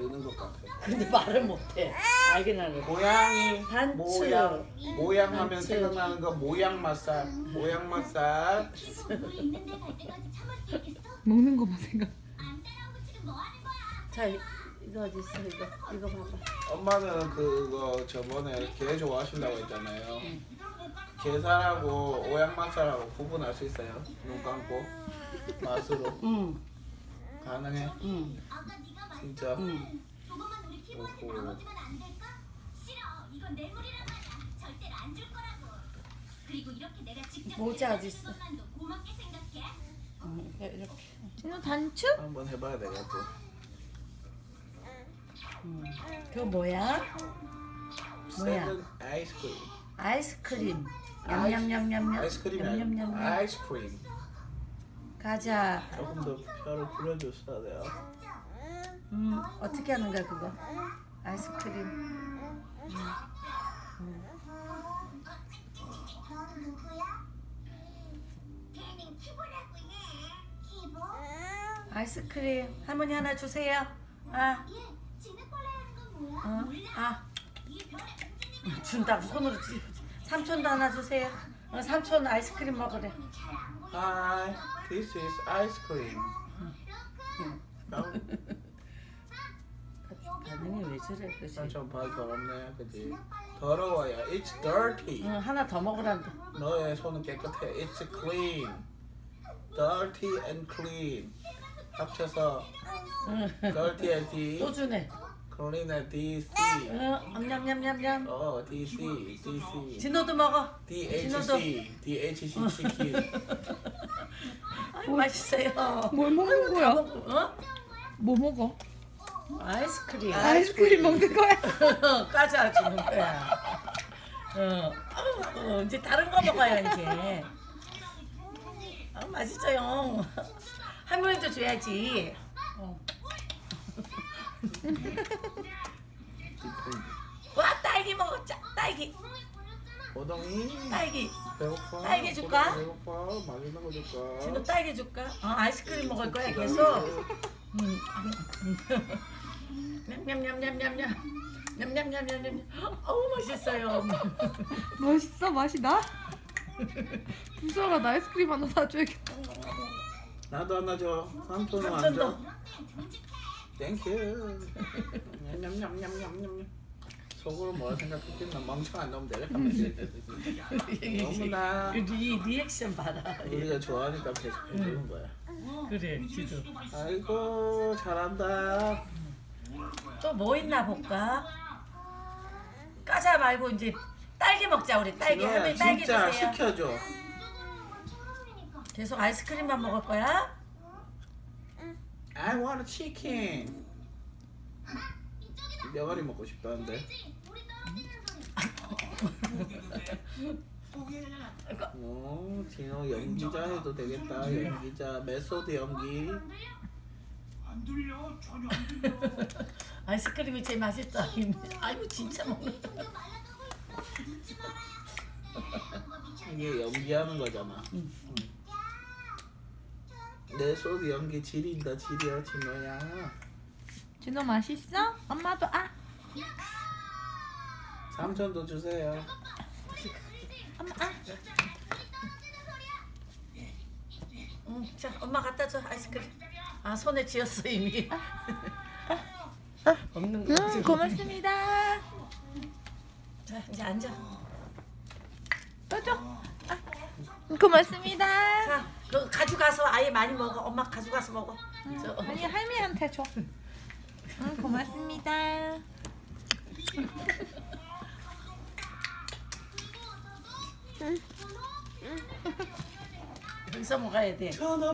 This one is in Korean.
느는 것 같아. 근데 말을 못해. 알긴 하네. 고양이 단추. 모양 하면 단추. 생각나는 거 모양 맛살. 모양 맛살. 먹는 거만 생각. 자, 이거 어디 있어? 이거 봐봐. 엄마는 그거 저번에 게 좋아하신다고 했잖아요. 게살하고 오양 맛살하고 구분할 수 있어요? 눈 감고 맛으로 응, 가능해? 응, 진짜? 응. 오호. 모자 어디 있어? 응, 이렇게. 진우 단추? 한번 해봐야 되겠고. 그거 뭐야? 뭐야? 세븐 아이스크림. 아이스크림. 냠냠냠냠냠. 아이스크림이 아니고 냠냠냠냠. 아이스크림. 가자. 조금 더 혀를 풀어줬어야 돼요. 어떻게 하는 거야 그거? 아이스크림. 아이스크림 할머니 하나 주세요. 아, 아, 준다고 손으로 찌. 삼촌도 하나 주세요. 삼촌 아이스크림 먹으래. Hi, this is ice cream. 반응이 왜 저래? 그지? 좀 발 더럽네, 그지? 더러워요. It's dirty. 응, 하나 더 먹으란다. 너의 손은 깨끗해. It's clean. Dirty and clean. 합쳐서 dirty and D, 또 주네. clean and DC. 냠냠냠냠. DC, DC. 진호도 먹어. DHC, DHC 치킨. 아이, 맛있어요. 뭘 먹는 거야? 어? 뭐 먹어? 아이스크림. 아이스크림 먹는 거야? 까자 주는 거야. 이제 다른 거 먹어요 이제. 맛있어요. 할머니도 줘야지. 와 딸기 먹었자. 딸기. 호동이 딸기. 배고파. 딸기 줄까? 배고파. 맛있는 거 줄까? 진호 딸기 줄까? 아이스크림 먹을 거야 계속. 냠냠냠냠냠냠. 냠냠냠냠냠. 어우 맛있어요. 맛있어? 맛이 나? 부서가 나 아이스크림 하나 사줘야겠다. 나도 하나 줘. 삼촌은 안 삼촌도. 줘. 땡큐. 냠냠냠냠냠냠. 속으로 뭐라 생각했겠나? 멍청한 놈들. 너무나 리액션 봐라. 우리가 좋아하니까 계속 해주는 거야. 그래 지도. 아이고 잘한다. 또 뭐 있나 볼까? 까자 말고 이제 딸기 먹자 우리 딸기. 진호야, 할머니 딸기 진짜 주세요. 시켜줘. 계속 아이스크림만 먹을 거야? I want a chicken. 명아리 먹고 싶다는데. 진호 연기자 해도 되겠다. 연기자 메소드 연기. 아이스크림이 제일 맛있다. 아이고 진짜 먹는다. 이게 연기하는 거잖아. 메소드 연기 지린다 지려 진호야. 진우 맛있어? 엄마도 삼촌도 주세요. 엄마 자 엄마 갖다 줘 아이스크림. 아 손에 쥐었어 이미. 없는 거. 고맙습니다. 자 이제 앉아. 또 줘. 고맙습니다. 자 그 가져가서 아예 많이 먹어. 엄마 가져가서 먹어. 아니 할미한테 줘. 고맙습니다. 여기서 먹어야 돼.